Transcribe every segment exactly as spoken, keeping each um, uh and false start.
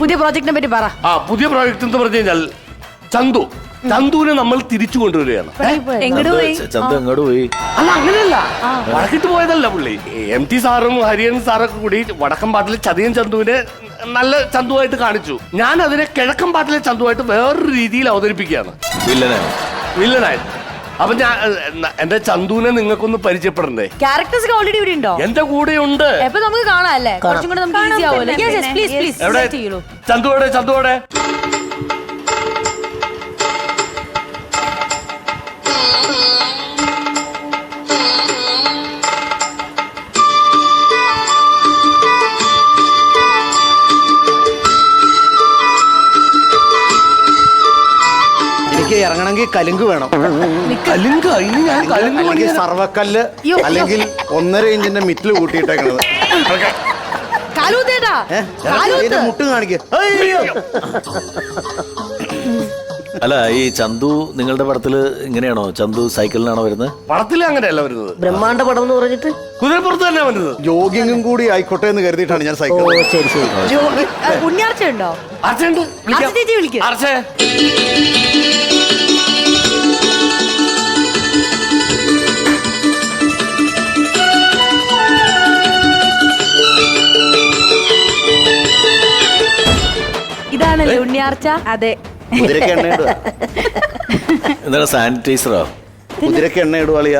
പുതിയ പ്രോജക്റ്റിനെ പറ്റി പറ. ആ പുതിയ പ്രോജക്റ്റ് എന്ന് പറഞ്ഞു കഴിഞ്ഞാൽ ചന്തു ചന്തുവിനെ നമ്മൾ തിരിച്ചു കൊണ്ടുവരികയാണ്. എങ്ങോട്ട് പോയി? ചന്തു എങ്ങോട്ട് പോയി? അല്ല അങ്ങനെയല്ല, വടക്കിട്ട് പോയതല്ല പുള്ളി. എം ടി സാറും ഹരിയൻ സാറൊക്കെ കൂടി വടക്കം പാട്ടിലെ ചതിയൻ ചന്തുവിനെ നല്ല ചന്തുവായിട്ട് കാണിച്ചു. ഞാൻ അതിനെ കിഴക്കൻ പാട്ടിലെ ചന്തുവായിട്ട് വേറൊരു രീതിയിൽ അവതരിപ്പിക്കുകയാണ്. വില്ലനാണ്. വില്ലനായിട്ട്. അപ്പൊ ഞാൻ എന്റെ ചന്തുവിനെ നിങ്ങൾക്കൊന്ന് പരിചയപ്പെടണ്ടേ? ക്യാരക്ടേഴ്സ് ഒക്കെ ഓൾറെഡി ഇവിടെ ഉണ്ടോ? എന്റെ കൂടെ ഉണ്ട്. എപ്പൊ നമുക്ക് കാണാം അല്ലേ? കുറച്ചും കൂടെ നമുക്ക് ഈസി ആവുമല്ലോ. Yes, yes, please, please. എവിടെ Select ചെയ്യൂ. ചന്തുവോടെ ചന്തുവോടെ ഇറങ്ങണമെങ്കിൽ കലുങ്ക് വേണം. കലുങ്ക ഇനി ഞാൻ കലുങ്ക് അല്ലെങ്കിൽ സർവക്കല്ല്, അല്ലെങ്കിൽ ഒന്നര ഇഞ്ചിന്റെ മിറ്റില് കൂട്ടിയിട്ടേക്കണത്. കാലൂത്തേട്ടാ, കാലൂത്ത്. മുട്ടും കാണിക്ക. അല്ല, ഈ ചന്തു നിങ്ങളുടെ പടത്തില് ഇങ്ങനെയാണോ? ചന്തു സൈക്കിളിനാണോ വരുന്നത്? പടത്തില് അങ്ങനെയല്ല വരുന്നത്. ബ്രഹ്മാണ്ട പടം എന്ന് പറഞ്ഞിട്ട് കുതിരപ്പുറത്ത് തന്നെ വരുന്നത്. ജോഗിങ്ങും കൂടി ആയിക്കോട്ടെ എന്ന് കരുതിയിട്ടാണ് ഞാൻ സൈക്കിൾ. ശരി ശരി. ഉണ്ണിയാർച്ച ഉണ്ടോ? അർച്ചയുണ്ട്. അർച്ച ചേച്ചി വിളിക്ക്. അർച്ചേ ഇതാണല്ലേ ഉണ്ണിയാർച്ച? അതെ. കുതിരക്ക് എണ്ണ ഇടുക. എന്താണ് സാനിറ്റൈസറോ? കുതിരക്ക് എണ്ണ ഇടുവാളിയ.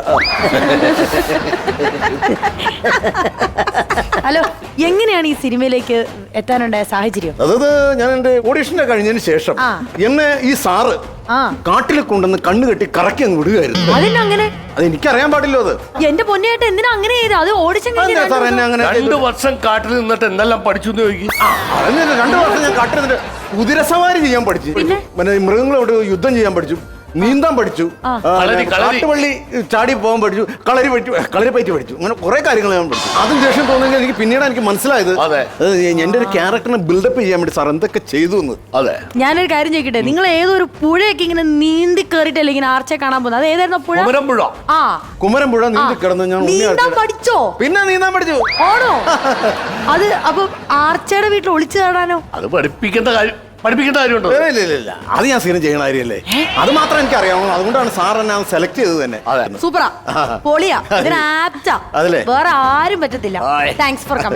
ഹലോ, എങ്ങനെയാണ് ഈ സിനിമയിലേക്ക് എത്താനുണ്ടായ സാഹചര്യം? അതായത് ഞാൻ എന്റെ ഓഡീഷനെ കഴിഞ്ഞതിന് ശേഷം ആ. എന്നെ ഈ സാറ് ആ, കാട്ടിൽ കൊണ്ടുവന്ന് കണ്ണു കെട്ടി കറക്കി അങ്ങ് വിടുകയായിരുന്നു. അതെന്നങ്ങനെ? അത് എനിക്കറിയാൻ പാടില്ലോ. അത് എന്റെ പൊന്നിയായിട്ട് എന്തിനാ അങ്ങനെ ചെയ്ത്? അത് ഓഡിഷൻ അതെന്താ സാർ എന്നെ അങ്ങനെ രണ്ടു ചെയ്തത്? വർഷം കാട്ടിൽ നിന്നിട്ട് എന്തെല്ലാം പഠിച്ചു എന്ന് ചോദിക്കും. അതന്നെ, രണ്ടു വർഷം ഞാൻ കാട്ടിൽ നിന്നിട്ട് കുതിരസവാരി ചെയ്യാൻ പഠിച്ചു, പിന്നെ മൃഗങ്ങളോട് യുദ്ധം ചെയ്യാൻ പഠിച്ചു, നീന്താൻ പഠിച്ചു, ആ. ആ, കളരി, കളരി. കാട്ടുപള്ളി ചാടി പോകാൻ പഠിച്ചു, കളരി പഠിച്ചു, കളരി പറ്റി പഠിച്ചു. അങ്ങനെ കുറെ കാര്യങ്ങൾ ഞാൻ പഠിച്ചു. അതും ദേഷ്യം തോന്നുമെങ്കിൽ എനിക്ക് പിന്നീട് എനിക്ക് മനസ്സിലായത് അതെ. അത് എന്റെ ഒരു ക്യാരക്ടറിനെ ബിൽഡപ്പ് ചെയ്യാൻ വേണ്ടി സാർ എന്തൊക്കെ ചെയ്തു എന്ന്. അതെ. ഞാനൊരു കാര്യം ചോദിക്കട്ടെ, നിങ്ങൾ ഏതൊരു പുഴയൊക്കെ ഇങ്ങനെ നീന്തി കേറിട്ടല്ലേ ഇങ്ങനെ ആർച്ചയെ കാണാൻ പോകുന്നത്? അത് ഏതായിരുന്നു പുഴ? കുമരമ്പുഴ. ആ, കുമരമ്പുഴ നീന്തി കിടന്ന് ഞാൻ ഉണ്ണി നീന്താൻ ആർച്ചയുടെ- പഠിച്ചോ? പിന്നെ നീന്താൻ പഠിച്ചു. ആണോ? അത് അപ്പൊ ആർച്ചയുടെ വീട്ടിൽ ഒളിച്ചു കാണാനോ? അത് പഠിപ്പിക്കേണ്ട കാര്യം പഠിപ്പിക്കേണ്ട കാര്യമുണ്ടോ? ഇല്ല, ഇല്ല, ഇല്ല, ഇല്ല. അത് ഞാൻ സ്ഥിരം ചെയ്യണ കാര്യമല്ലേ. അത് മാത്രം എനിക്ക് അറിയാവുള്ളൂ. അതുകൊണ്ടാണ് സാർ എന്നെ സെലക്ട് ചെയ്തത് തന്നെ. സൂപ്പറാ, പൊളിയാ, ഇതിന് ആപ്റ്റാ. അതല്ലേ? വേറെ ആരും പറ്റത്തില്ല. ആയ്. Thanks for coming.